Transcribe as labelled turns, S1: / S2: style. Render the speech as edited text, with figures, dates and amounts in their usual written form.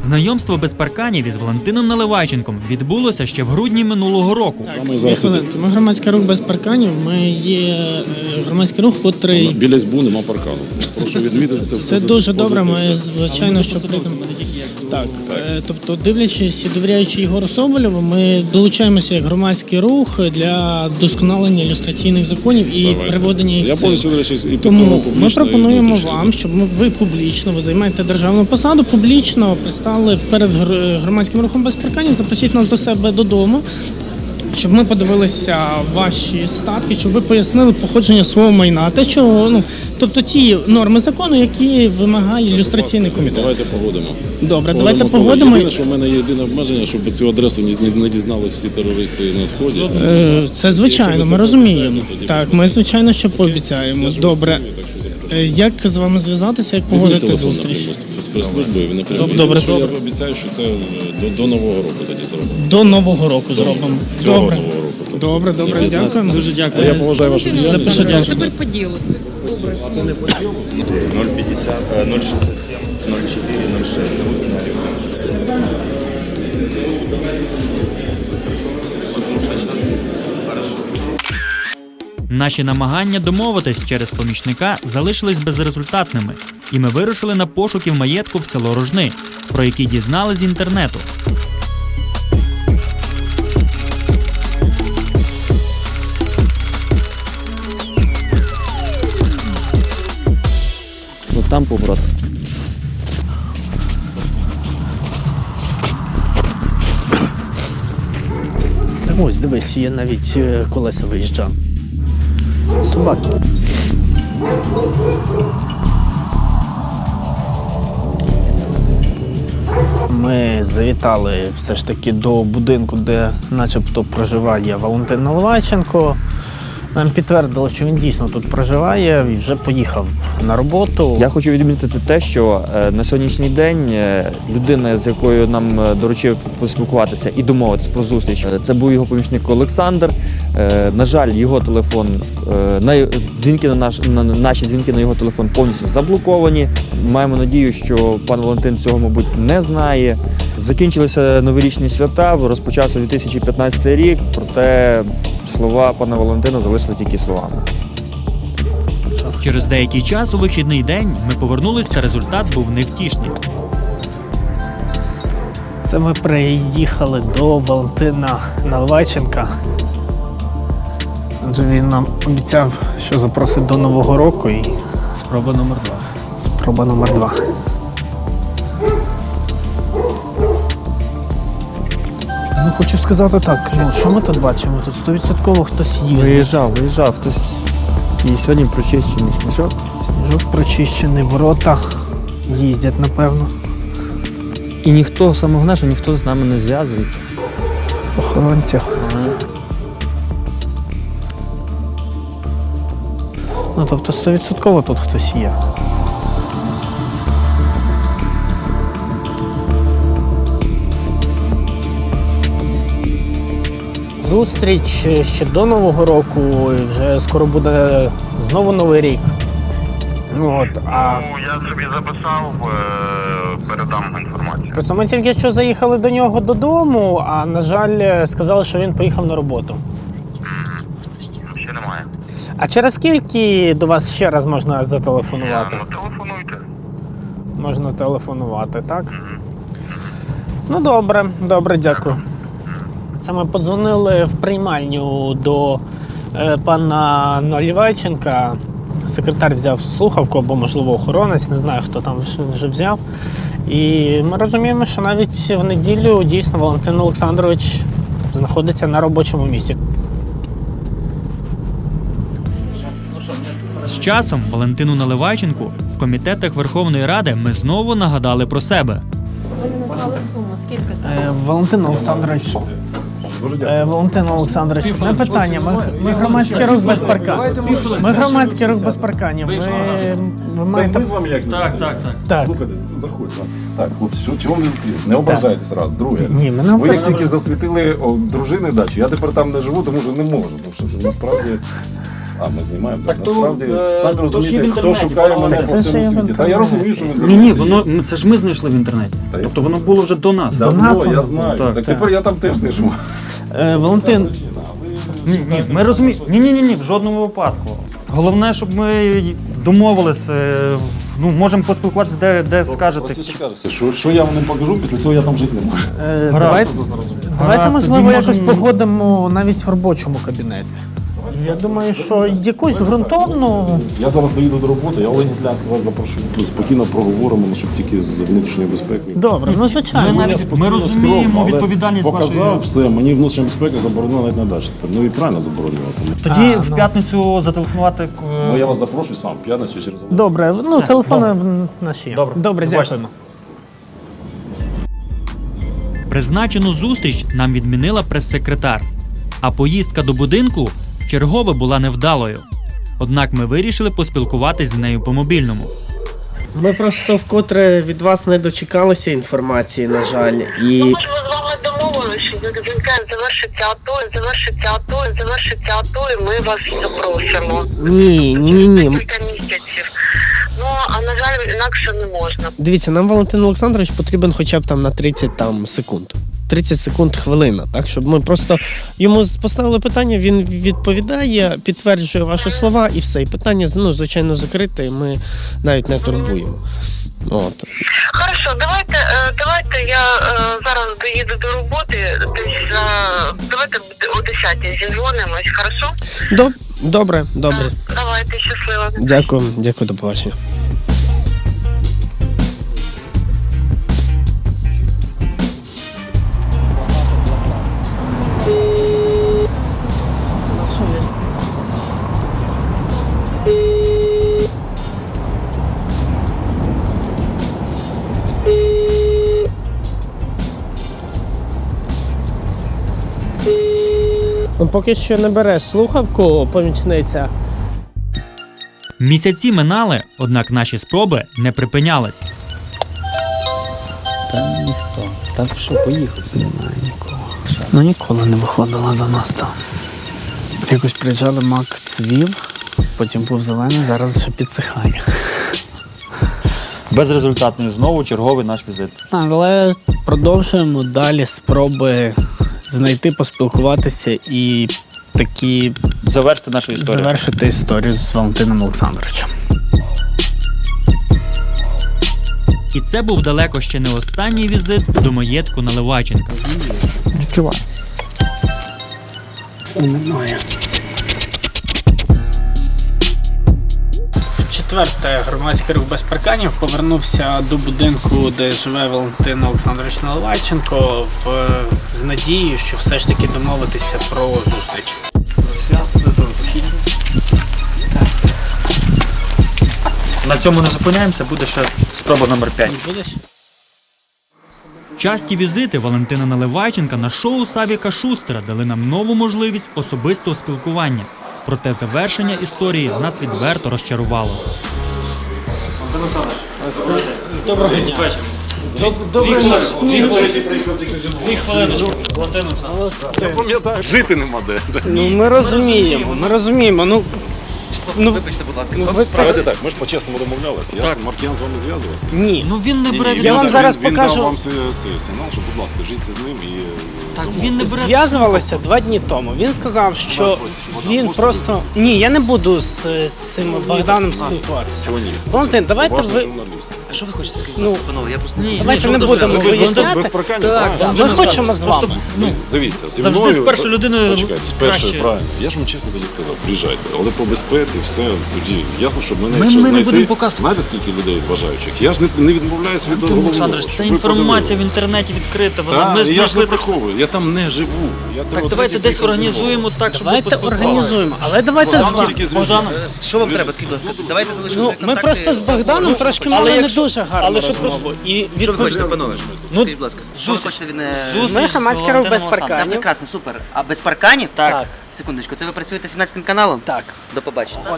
S1: Знайомство без парканів із Валентином Наливайченком відбулося ще в грудні минулого року.
S2: Ми громадський рух без парканів. Ми є громадський рух, котрий...
S3: Біля СБУ нема паркану. Прошу відмітити це.
S2: Це дуже добре. Ми, звичайно, що прийдемо. Так. Тобто, дивлячись і довіряючи Ігору Соболєву, ми долучаємося як громадський рух для вдосконалення ілюстраційних законів і приводення їх в силу. Тому ми пропонуємо вам, щоб ви публічно, ви займаєте державну посаду, публічно представили перед громадським рухом без парканів, запросіть нас до себе додому, щоб ми подивилися ваші статки, щоб ви пояснили походження свого майна, те, що, тобто ті норми закону, які вимагає ілюстраційний комітет.
S3: Давайте погодимо.
S2: Добре, давайте погодимо.
S3: Єдине, що в мене є єдине обмеження, щоб цю адресу не дізнались всі терористи на Сході.
S2: Це звичайно, ми розуміємо. Так, ми звичайно, що пообіцяємо. Добре. Як з вами зв'язатися, як погодити зустріч?
S3: З прес-службою ви не приймете.
S2: Добре.
S3: Я обіцяю, що це до Нового року тоді зробимо.
S2: До Нового року зробимо.
S3: Цього
S2: Добре.
S3: Нового року.
S2: Добре, дякуємо.
S1: Дуже дякую.
S3: Я поважаю вашу діяльність.
S4: Тепер по ділу це. Добре.
S5: Це не по ділу. 050, 067, 04, 06. Зовут Олександр.
S1: Наші намагання домовитись через помічника залишились безрезультатними, і ми вирушили на пошуки в маєтку в село Рожни, про які дізнали з інтернету.
S6: Ну там поворот.
S2: Ось, дивись, є навіть колеса виїжджав. Собаки. Ми завітали все ж таки до будинку, де начебто проживає Валентин Наливайченко. Нам підтвердили, що він дійсно тут проживає і вже поїхав на роботу.
S6: Я хочу відмітити те, що на сьогоднішній день людина, з якою нам доручив поспілкуватися і домовитися про зустріч, це був його помічник Олександр. На жаль, його телефон, наші дзвінки на його телефон повністю заблоковані. Маємо надію, що пан Валентин цього, мабуть, не знає. Закінчилися новорічні свята, розпочався 2015 рік, проте слова пана Валентина залишили тільки словами.
S1: Через деякий час у вихідний день ми повернулись, та результат був невтішний.
S2: Це ми приїхали до Валентина Наливайченка. Адже він нам обіцяв, що запросить до Нового року і
S1: Спроба номер 2.
S2: спроба номер 2. Ну, хочу сказати так, що ми тут бачимо? Тут 100% хтось їздить.
S6: Виїжджав хтось. І сьогодні прочищений сніжок.
S2: Сніжок прочищений, ворота їздять, напевно.
S6: І ніхто, саме головне, що ніхто з нами не зв'язується.
S2: Охоронці. Ну, тобто 100% тут хтось є. Зустріч ще до Нового року, і вже скоро буде знову Новий рік.
S5: Я собі записав, передам інформацію.
S2: Просто ми тільки що заїхали до нього додому, а, на жаль, сказали, що він поїхав на роботу.
S5: Ще немає.
S2: А через скільки до вас ще раз можна зателефонувати?
S5: Телефонуйте.
S2: Можна телефонувати, так? Ну, добре, дякую. Це ми подзвонили в приймальню до пана Наливайченка. Секретар взяв слухавку або, можливо, охоронець, не знаю, хто там вже взяв. І ми розуміємо, що навіть в неділю дійсно Валентин Олександрович знаходиться на робочому місці.
S1: З часом Валентину Наливайченку в комітетах Верховної Ради ми знову нагадали про себе.
S4: Ви не назвали суму, скільки там?
S2: Валентин Олександрович. Валентин Олександрович, не питання. Ми громадський рух без парканів. Ми громадський рух без парканів. Ви маєте...
S3: Ми з вами як?
S2: Так.
S3: Слухайте, заходьте. Так, хлопці, чому ми зустрілися? Не ображайтесь раз. Друге.
S2: Ні, мене
S3: Ви як тільки засвітили дружини дачу, я тепер там не живу, тому що не можу. Тому що насправді А, ми знімаємо. Так,
S6: то,
S3: насправді,
S6: то
S3: самі
S6: ж
S3: розумієте,
S6: є в
S3: хто
S6: інтернеті,
S3: шукає
S6: пане
S3: мене по
S6: Валентин.
S3: всьому світі. Та я розумію, що в інтернеті.
S1: Ні,
S3: є.
S1: воно це ж ми знайшли в інтернеті.
S3: Та я-
S1: Тобто воно було вже до нас.
S3: Давно, я знаю.
S1: Так,
S3: Так тепер я там теж не живу.
S2: Валентин,
S1: Ні, ми розуміємо. Ні, в жодному випадку. Головне, щоб ми домовились, можемо поспілкуватися, де скажете.
S3: Що я вам не покажу, після цього я там жити не можу.
S2: давайте,
S1: Гаразд,
S2: можливо,
S1: тоді
S2: якось
S1: можемо-
S2: погодимо навіть в робочому кабінеті. Я думаю, що якусь ґрунтовну.
S3: Я зараз доїду до роботи, я Олег Нітлянський вас запрошу. Спокійно проговоримо, щоб тільки з внутрішньою безпекою.
S2: Добре, ну звичайно.
S1: Ми розуміємо відповідальність
S3: показав
S1: вашої.
S3: все, мені внутрішня безпека заборонена навіть на дачі тепер. Ну і правильно заборонювати.
S1: Тоді в п'ятницю зателефонувати.
S3: Ну я вас запрошую сам, в п'ятницю через Олега.
S2: Добре, ну
S1: Все,
S2: телефони наші є.
S1: Добре.
S2: Добре,
S1: Побачите.
S2: дякуємо.
S1: Призначену зустріч нам відмінила прес-секретар, а поїздка до будинку чергове була невдалою. Однак ми вирішили поспілкуватись з нею по мобільному.
S7: Ми просто вкотре від вас не дочекалися інформації, на жаль. І
S8: Ми ж з вами домовилися, що дзвінка завершиться АТО, завершиться АТО, і ми вас запросимо.
S7: ні.
S8: Кілька місяців. Ну, а на жаль, інакше не можна.
S7: Дивіться, нам Валентин Олександрович потрібен хоча б там на 30 секунд. 30 секунд хвилина, так? Щоб ми просто йому поставили питання, він відповідає, підтверджує ваші слова і все. І питання, звичайно, закрите, і ми навіть не турбуємо. От.
S8: Хорошо, давайте я зараз доїду до роботи, десь давайте о 10-й зізвонимось, хорошо?
S7: Добре.
S8: Давайте, щасливо.
S7: Дякую, до побачення. Поки що не бере слухавку помічниця.
S1: Місяці минали, однак наші спроби не припинялись.
S2: Та ніхто. Та що, поїхав? Немає нікого. Ну ніколи не виходила до нас там. Якось приїжджали, мак цвів, потім був зелений, зараз вже підсихає.
S6: Безрезультатний знову черговий наш візит.
S2: Але продовжуємо далі спроби знайти, поспілкуватися і такі
S6: Завершити нашу історію.
S2: завершити історію з Валентином Олександровичем.
S1: І це був далеко ще не останній візит до маєтку Наливайченка.
S6: Відкривай.
S2: Немає. Четверте, громадський рух без парканів повернувся до будинку, де живе Валентин Олександрович Наливайченко, з надією, що все ж таки домовитися про зустріч.
S6: На цьому не зупиняємося, буде ще спроба номер 5.
S2: Будеш?
S1: Часті візити Валентина Наливайченка на шоу Савіка Шустера дали нам нову можливість особистого спілкування. Проте завершення історії нас відверто розчарувало.
S2: Доброго дня.
S3: Жити нема де.
S2: Ну, ми розуміємо.
S5: Вибачте, будь ласка,
S3: Давайте так, ми ж по-чесному домовлялися. Маркіян з вами зв'язувався.
S2: Ні.
S1: Ну він не бере
S2: Я вам зараз
S3: Він
S2: покажу.
S3: дав вам цей сигнал, що, будь ласка, жіться з ним і...
S1: Так, він не бере.
S2: Зв'язувалися 2 дні тому. Він сказав, що він просто. Ні, я не буду з цим Богданом спілкуватися.
S3: Чого ні?
S2: Валентин, давайте
S3: Важний
S2: ви.
S3: журналіст.
S5: А що ви хочете сказати?
S2: Ну,
S5: Панове, я просто
S2: давайте не будемо
S3: Без
S2: виясняти.
S3: парканів,
S1: Так,
S3: правильно?
S2: Ми хочемо з вами.
S3: Дивіться, зі
S1: завжди
S3: мною...
S1: з першою людиною
S3: Почекайте, з першою,
S1: краще.
S3: правильно. Я ж вам чесно тоді сказав, приїжджайте. Але по безпеці все, тоді ясно, що мене,
S1: Ми
S3: якщо
S1: не
S3: знайти...
S1: будемо показувати.
S3: Знаєте, скільки людей бажаючих? Я ж не відмовляюсь від головного.
S1: Олександрович, це
S3: щоб ви
S1: інформація в
S3: подивилися.
S1: інтернеті відкрита. Вона
S3: Так,
S1: ми
S3: і я ж не
S1: знайшли так.
S3: приховую, я там не живу. Я
S1: Так, давайте десь організуємо так, щоб ви
S2: Давайте
S1: поспілкувалися.
S2: організуємо, але давайте з вами.
S5: Що вам треба, скажіть, будь ласка? Давайте залишимо
S2: Ну,
S5: контакти.
S2: ми просто з Богданом трошки мали не дуже гарну розмову. І
S5: Що ви хочете,
S2: відповідь.
S5: панове? Скажіть, будь ласка, що ви хочете від...
S2: Ми громадський рух без
S5: Так,
S2: парканів.
S5: прекрасно, супер. А без парканів?
S2: Так.
S5: Секундочку, це ви працюєте 17 каналом?
S2: Так.
S5: До побачення.